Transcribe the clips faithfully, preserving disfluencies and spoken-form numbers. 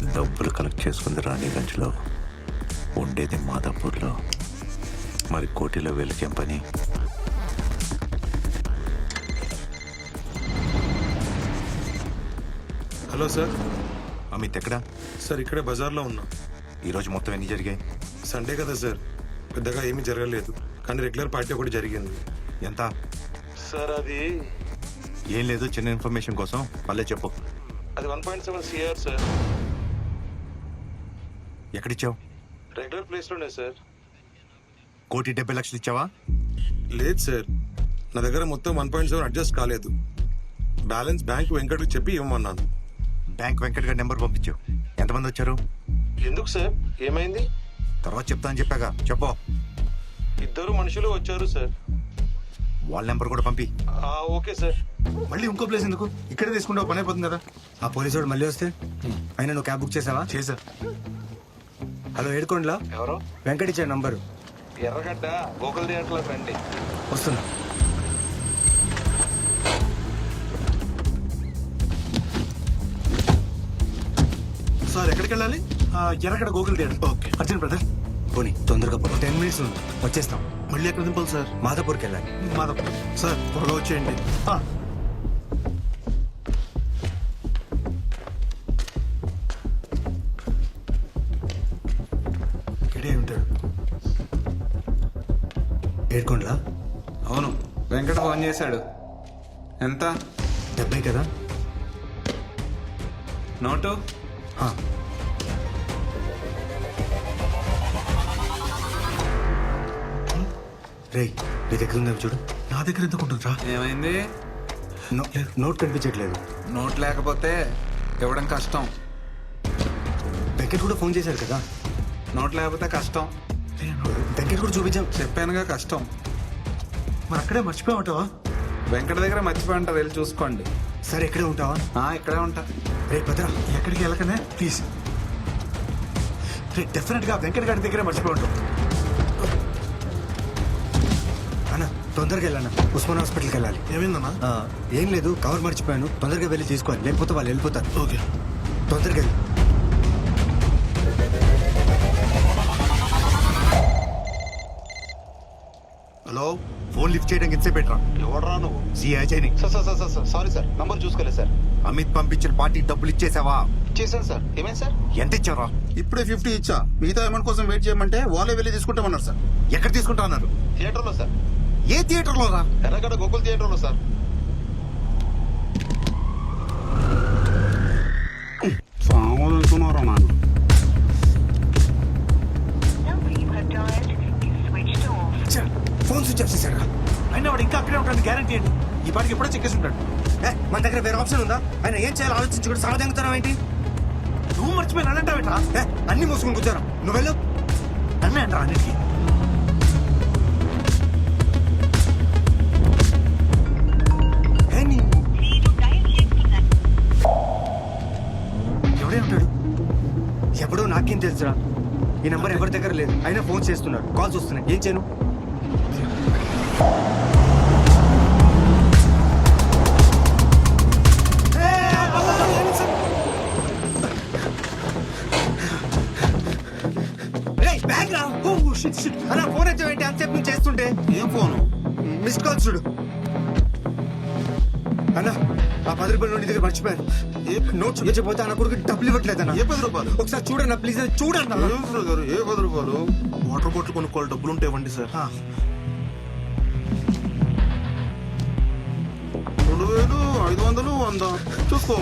డబ్బులు కలెక్ట్ చేసుకుంది రాణిగంజ్లో, ఉండేది మాదాపూర్లో. మరి కోటిలో వెలికేం పని? Hello sir. అమిత్ ఎక్కడా? సార్ ఇక్కడే బజార్లో ఉన్నా. ఈరోజు మొత్తం ఎన్ని జరిగాయి? సండే కదా సార్, పెద్దగా ఏమీ జరగలేదు, కానీ రెగ్యులర్ పార్టీ ఒకటి జరిగింది. ఎంత? సార్ అది ఏం లేదు, చిన్న ఇన్ఫర్మేషన్ కోసం పల్లె చెప్పు. అది one point seven CR sir. ఎక్కడిచ్చావు? రెగ్యులర్ ప్లేస్లోనే సార్. కోటి డెబ్బై లక్షలు ఇచ్చావా? లేదు సార్, నా దగ్గర మొత్తం వన్ పాయింట్ సెవెన్ అడ్జస్ట్ కాలేదు. బ్యాలెన్స్ బ్యాంక్ వెంకట్కి చెప్పి ఇవ్వమన్నాను. బ్యాంక్ వెంకట్ గారి నెంబర్ పంపించు. ఎంతమంది వచ్చారు? ఎందుకు సార్, ఏమైంది? తర్వాత చెప్తా అని చెప్పాగా, చెప్పు. ఇద్దరు మనుషులు వచ్చారు సార్. వాళ్ళ నెంబర్ కూడా పంపి. Okay sir. మళ్ళీ ఇంకో ప్లేస్ ఎందుకు? ఇక్కడే తీసుకుంటే పని అయిపోతుంది కదా. ఆ పోలీసు వాడు మళ్ళీ వస్తే అయినా నువ్వు క్యాబ్ బుక్ చేసావా? చేసా. హలో, ఏడుకోండిలా ఎవరు? వెంకట్ ఇచ్చాడు నంబరు. ఎర్రగడ్డ గోకుల్ థియేటర్లో రండి. వస్తున్నా. సార్ ఎక్కడికి వెళ్ళాలి? Erragadda Gokul theatre. Okay, Arjun brother. పోనీ తొందరగా పో, టెన్ మినిట్స్ ఉంది, వచ్చేస్తాం. మళ్ళీ ఎక్కడ దింపాలి సార్? మాదాపూర్కి వెళ్ళాలి. మాధవ్ సార్, త్వరగా వచ్చేయండి. ఇక్కడే ఉంటాడు. ఏడుకోండిలా. అవును, వెంకట ఫోన్ చేశాడు. ఎంత? డెబ్బై కదా. నోటు? ఆ. రేయ్, నీ దగ్గర ఉందా చూడు. నా దగ్గర ఎందుకు ఉంటుందిరా? ఏమైంది? నో- నోట్ కనిపించట్లేదు. నోట్ లేకపోతే ఇవ్వడం కష్టం. వెంకట్ కూడా ఫోన్ చేశారు కదా. నోట్ లేకపోతే కష్టం. వెంకట్ కూడా చూపించాం. చెప్పానుగా కష్టం. మరి అక్కడే మర్చిపోయామంటావా? వెంకట దగ్గర మర్చిపోయి ఉంటారు, వెళ్ళి చూసుకోండి. సరే, ఇక్కడే ఉంటావా? ఆ, ఇక్కడే ఉంటా. రే భద్రా, ఎక్కడికి వెళ్ళకనే ప్లీజ్. రే, డెఫినెట్ గా వెంకట గారి దగ్గరే మర్చిపోయి ఉంటాం. అన్న తొందరగా వెళ్ళన్న, ఉస్మాన్ హాస్పిటల్కి వెళ్ళాలి. ఏమైందన్నా? ఆ, ఏం లేదు, కవర్ మర్చిపోయాను, తొందరగా వెళ్ళి తీసుకోవాలి, లేకపోతే వాళ్ళు వెళ్ళిపోతారు. ఓకే, తొందరగా వెళ్ళి. హలో. ఫోన్ లిఫ్ట్ చేయడానికి ఎంతసేపు పెట్టరా? ఎవడరా నువ్వు? సిఐ చైని. Sir sir sir sir sorry sir, number చూసుకోలేదు సార్. అమిత్ పంపించిన పార్టీ డబ్బులు ఇచ్చేసావా? చేశాను సార్. ఏమైంది సార్? ఎంత ఇచ్చారా? ఇప్పుడే ఫిఫ్టీ ఇచ్చా, మిగతా అమౌంట్ కోసం వెయిట్ చేయమంటే వాళ్ళే వెళ్ళి తీసుకుంటామన్నారు సార్. ఎక్కడ తీసుకుంటా అన్నారు? థియేటర్లో సార్. ఏ థియేటర్ లో రా? ఎర్రగడ్డ గోకుల్ థియేటర్లో సార్. సామాన్లు అనుకున్నారా నాన్న? number you have dialed is switched off. Phone switch off చేశారా? అయినా వాడు ఇంకా అక్కడే ఉంటాడు, గ్యారంటీ ఏంటి? ఈ పాటికి ఎప్పుడో చెక్కేసి ఉంటాడు. ఏ, మన దగ్గర వేరే ఆప్షన్ ఉందా? ఆయన ఏం చేయాలో ఆలోచించి కూడా సమాధానం ఏంటి? నువ్వు మర్చిపోయి నన్నంటావేట్రా? ఏ, అన్ని మూసుకుని కూర్చోరా, నువ్వు వెళ్ళు. నన్నే అంటారా అన్నిటికీ? ఏ, నీ- మీరు డయల్ చేస్తున్న ఎవడే ఉంటాడు? ఎవడో నాకేం తెలుసురా. ఈ నంబర్ ఎవరి దగ్గర లేదు, అయినా ఫోన్ చేస్తున్నారు, కాల్స్ వస్తున్నాయి, ఏం చేయను? అలా ఫోన్ ఎత్తవేంటి అంతసేపు నుంచి చేస్తుంటే? ఏం ఫోను? మిస్డ్ కాల్ చూడు అన్న. ఆ పది రూపాయలు నుండి దగ్గర మర్చిపోయాను. ఏ నోట్ చూపించకపోతే అన్న కొడుకు డబ్బులు ఇవ్వట్లేదన్న. ఏ పది రూపాయలు? ఒకసారి చూడన్న ప్లీజ్, చూడన్న. ఏం గారు, ఏ పది రూపాయలు? వాటర్ బాటిల్ కొనుక్కోవాలి, డబ్బులు ఉంటే ఇవ్వండి సార్. రెండు వేలు, ఐదు వందలు, వంద చూసుకో.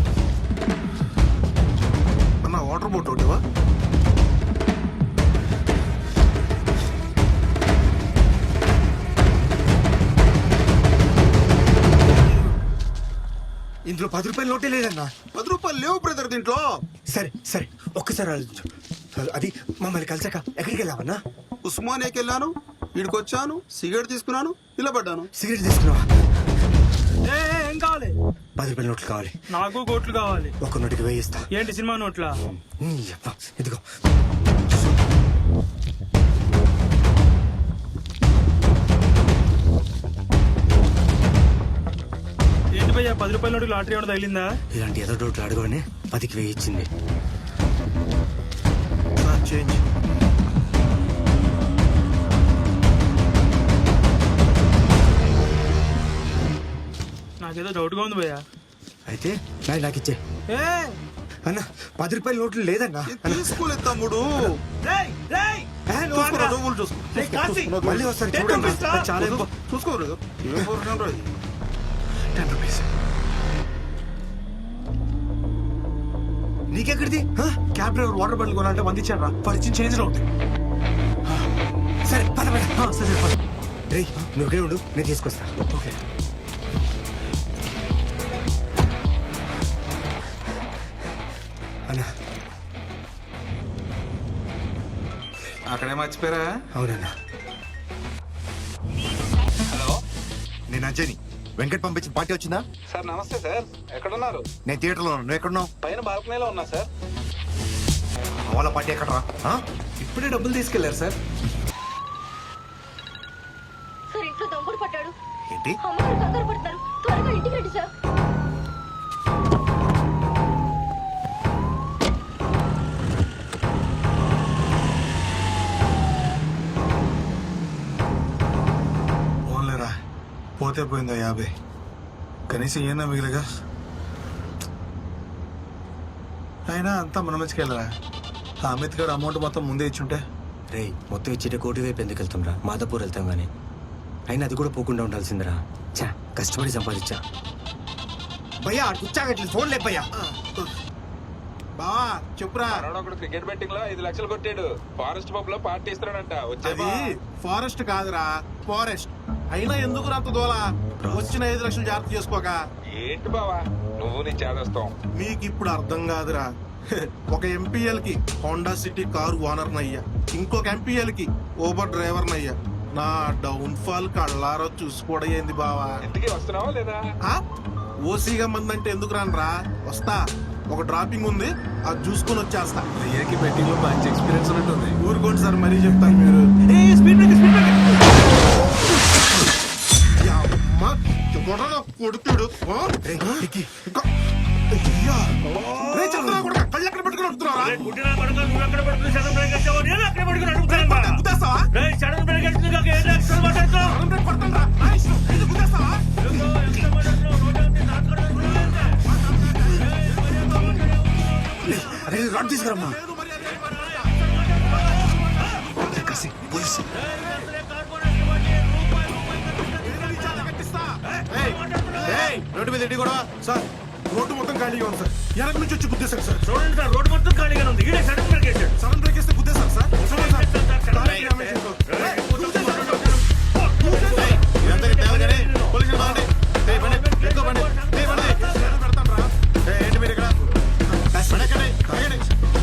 అన్న వాటర్ బాటిల్ ఒకటివా? ఇందులో పది రూపాయలు నోటే లేదన్నా. పది రూపాయలు లేవు బ్రదర్ దీంట్లో. సరే సరే, ఒక్కసారి ఆలోచించు. అది మమ్మల్ని కలిసాక ఎక్కడికి వెళ్ళావన్నా? ఉస్మానియాకి వెళ్ళాను, వీడికి వచ్చాను, సిగరెట్ తీసుకున్నాను, ఇలా పడ్డాను. సిగరెట్ తీసుకున్నావా? ఏం కావాలి? పది రూపాయల నోట్లు కావాలి. నాకు కోట్లు కావాలి. ఒక్క నోటికి వేయిస్తా. ఏంటి సినిమా నోట్లా? ఉమ్, యప్ప, ఇదిగో. ఏంటి భయ్యా, పది రూపాయల నోటికి లాటరీ ఏమైనా తగిలిందా? ఇలాంటి ఎదో నోట్లు అడగగానే పదికి వేయించింది. Sir change. నాకేదో డౌట్గా ఉంది భయ్యా. అయితే నాది నాకు ఇచ్చే. ఏ అన్న పది రూపాయల నోట్లు లేదన్నా. తీసుకోలేదు తమ్ముడు. రేయ్, రేయ్, ఏ, నువ్వు చూసుకోరా, ఆగరా. నువ్వులు చూసుకో. రేయ్, కాశీ, మళ్ళీ వస్తాను టెన్ చూడండి. రూపీస్ రా. అది చాలా ఎక్కువ. చూసుకోరు ఏం పోరాటం రా ఇది? Ten rupees. నీకెక్కడిది? హ? క్యాబ్ డ్రైవర్ వాటర్ బాటిల్ కొనాలంటే వంద ఇచ్చారా? పరిచయం చేంజ్ లో ఉంది. సరే పద పద. ఆ, సరే పద. రేయ్ నువ్వు ఇక్కడే ఉండు, నేను తీసుకొస్తా. ఓకే. అన్న అక్కడే మర్చిపోయారా? అవునన్నా. హలో నేను అంజని. వెంకట్ పంపించిన పార్టీ వచ్చిందా? సార్ నమస్తే సార్, ఎక్కడున్నారు? నేను థియేటర్లో ఉన్నాను. నువ్వు ఎక్కడున్నావు? పైన బాల్కనీలో ఉన్నా సార్. వాళ్ళ పార్టీ ఎక్కడరా? ఆ? ఇప్పుడే డబ్బులు తీసుకెళ్లారు సార్. సార్ ఇంట్లో దొంగడు పట్టాడు. ఏంటి? అమ్మగారు కంగారు పడుతున్నారు. త్వరగా ఇంటికి రండి సార్. ఓన్లేరా, పోతే పోయిందా యాభై. కనీసం ఏనా మిగిలిగా. అయినా అంతా మన మంచికి వెళ్ళరా. ఆ అమిత్ గారు అమౌంట్ మొత్తం ముందే ఇచ్చుంటే. రేయ్ మొత్తం ఇచ్చేట కోటి వైపు ఎందుకు వెళ్తాం రా? మాదాపూర్ వెళ్తాం కానీ. అయినా అది కూడా పోకుండా ఉండాల్సిందిరా. చా కష్టపడి సంపాదించా. భయ్యా కూర్చాగట్లేదు, ఫోన్ లేదు భయ్యా. బావా చెప్పురా. ఒకడు క్రికెట్ బెట్టింగ్ లో ఐదు లక్షలు కొట్టాడు. ఫారెస్ట్ పబ్ లో పార్టీ ఇస్తాడంట. అది ఫారెస్ట్ కాదురా, ఫారెస్ట్. అయినా ఎందుకు అంత దోలా? వచ్చిన ఐదు లక్షలు జాగ్రత్త చేసుకోక. ఏంటి బావా నువ్వు నీ చేదస్తాం? మీకు ఇప్పుడు అర్థం కాదురా. ఒక ఎంపీఎల్ కి హోండా సిటీ కారు ఓనర్ నయ్యా, ఇంకొక ఎంపీఎల్ కి ఓబర్ డ్రైవర్ నయ్యా. నా డౌన్ ఫాల్ కళ్ళారో చూసుకోవడం ఏంది బావా? ఇంటికి వస్తున్నావా లేదా? ఆ? ఓసీగా మంది అంటే ఎందుకు రానరా? వస్తా. ఒక డ్రాపింగ్ ఉంది, అది చూసుకొని వచ్చేస్తా. అయ్యాకి బెట్టింగ్ లో మంచి ఎక్స్పీరియన్స్ ఉన్నట్టుంది. ఊరుకోండి సార్, మరీ చెప్తాను మీరు. ఏ స్పీడ్ బ్రేకర్, స్పీడ్ బ్రేకర్. యా అమ్మ, ఎవడో కొడుతుడు. ఆ? రేయ్ ఎక్కి. ఇంకా- అయ్యా. రే చంద్రా కొడుకా, కళ్ళు ఎక్కడ పెట్టుకుని వస్తున్నారా? రేయ్, పుట్టిన కొడుకు, నువ్వు ఎక్కడ పడుకుని సడన్ బ్రేక్ వేసావో, నేను అక్కడ పడుకుని అడుగుతాను బా. గుద్దేస్తావా? రేయ్, సడన్ బ్రేక్ వేసింది కాక ఏ డాక్టర్ మాట్లాడుతావు? సడన్ బ్రేక్ కొడతానురా. నా ఇష్టం. ఇది గుద్దేస్తావా? ఏంటో, ఎంత మాట్లాడుతున్నావు? రోడ్డు అంతా నాటుకొని అనుకున్నావా ఏంటి? అరే రాడ్ తీసుకురమ్మా. లేదు మర్యాద, లేదు మర్యాద. పోలీసు. ఏది చాలా కట్టిస్తా. ఏయ్, ఏయ్, రోడ్డు మీద ఎడ్డి కూడా సార్. రోడ్డు మొత్తం ఖాళీగా ఉంది సార్. వెనక నుంచి వచ్చి గుద్దేశారు సార్. చూడండి సార్, రోడ్డు మొత్తం ఖాళీగానే ఉంది. ఈడే సడన్ బ్రేక్ వేసాడు. సడన్ బ్రేక్ వేస్తే గుద్దేశారు సార్. చూడండి సార్. దానికి డ్యామేజ్ అయిందో. ఏయ్, గుద్దేశారు. గుద్దేశారు. ఇదంతా తేవాలి కానీ పోలీసులు బాగుంది. ఏయ్, బండి, ఎక్కువ బండి. ఏయ్, బండి, నేను పెడతాను రా. ఏయ్, ఏంటి మీరు ఇక్కడ? బండి ఎక్కండి, ఎక్కండి.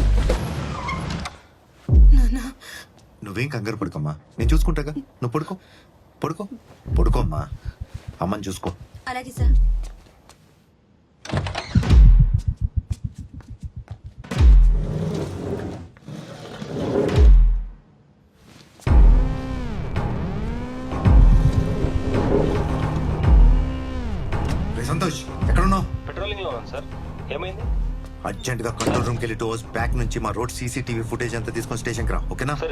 నువ్వేం కంగారు పడుకోమ్మా, నేను చూసుకుంటాగా. నువ్వు పడుకో పడుకో పడుకోమ్మా. అమ్మని చూసుకో. అలాగే సార్. రే సంతోష్, ఎక్కడున్నావు? పెట్రోలింగ్ లో ఉన్నాను సార్. ఏమైంది? అర్జెంట్ గా కంట్రోల్ రూమ్ కి వెళ్ళి టూ అవర్స్ బ్యాక్ నుంచి మా రోడ్ సీసీటీవీ ఫుటేజ్ అంతా తీసుకొని స్టేషన్ కి రా, ఓకేనా? సరే.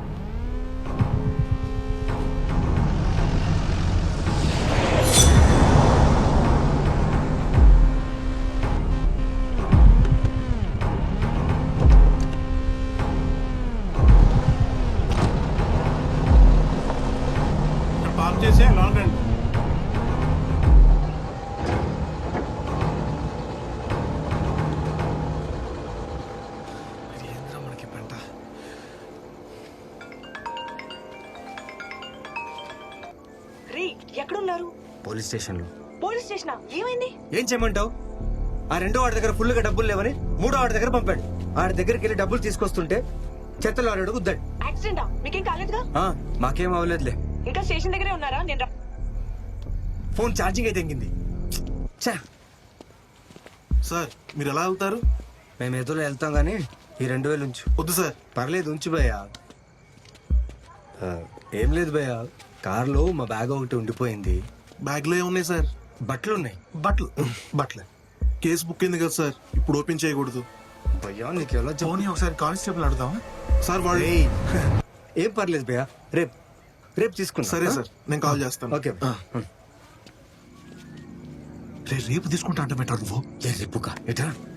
పాప్ చేసి లాంగ్ రండి. ఏంద్రా మనకి పంట. రే ఎక్కడున్నారు? పోలీస్ స్టేషన్ లో. Police station. ఏమైంది? ఏం చేయమంటావు? ఆ రెండో వాడి దగ్గర ఫుల్ గా డబ్బులు లేవని మూడో వాడి దగ్గర పంపాడు. ఆడి దగ్గరికి వెళ్ళి డబ్బులు తీసుకొస్తుంటే చెత్తలో ఆడాడు గుద్దాడు. యాక్సిడెంటా? మీకేం కాలేదుగా? ఆ, మాకేం అవ్వలేదులే. ఇంకా స్టేషన్ దగ్గరే ఉన్నారా? నేను రా- ఫోన్ ఛార్జింగ్ అయితే తెంగింది. ఛా, సార్ మీరు ఎలా వెళ్తారు? మేము ఎదురు వెళ్తాం గానీ ఈ రెండు వేలు ఉంచు. వద్దు సార్. పర్లేదు ఉంచు భయ్యా. ఆ, ఏం లేదు భయ్యా, కార్లో మా బ్యాగ్ ఒకటి ఉండిపోయింది. బ్యాగ్ లో ఏమున్నాయి సార్? బట్టలు ఉన్నాయి. బట్టలు బట్టలు కేసు బుక్ అయింది కదా సార్, ఇప్పుడు ఓపెన్ చేయకూడదు. భయ్యా నీకు ఎలా చెప్పు పోనీ ఒకసారి కానిస్టేబుల్ అడుగుదామా సార్ వాళ్ళు ఏయ్, ఏం పర్లేదు భయ్యా రేపు రేపు తీసుకున్నా సరే సార్ నేను కాల్ చేస్తాను ఓకే ఆ. రే రేపు తీసుకుంటా అంటే బెటర్ నువ్వు ఏ రేపుగా ఎట్రా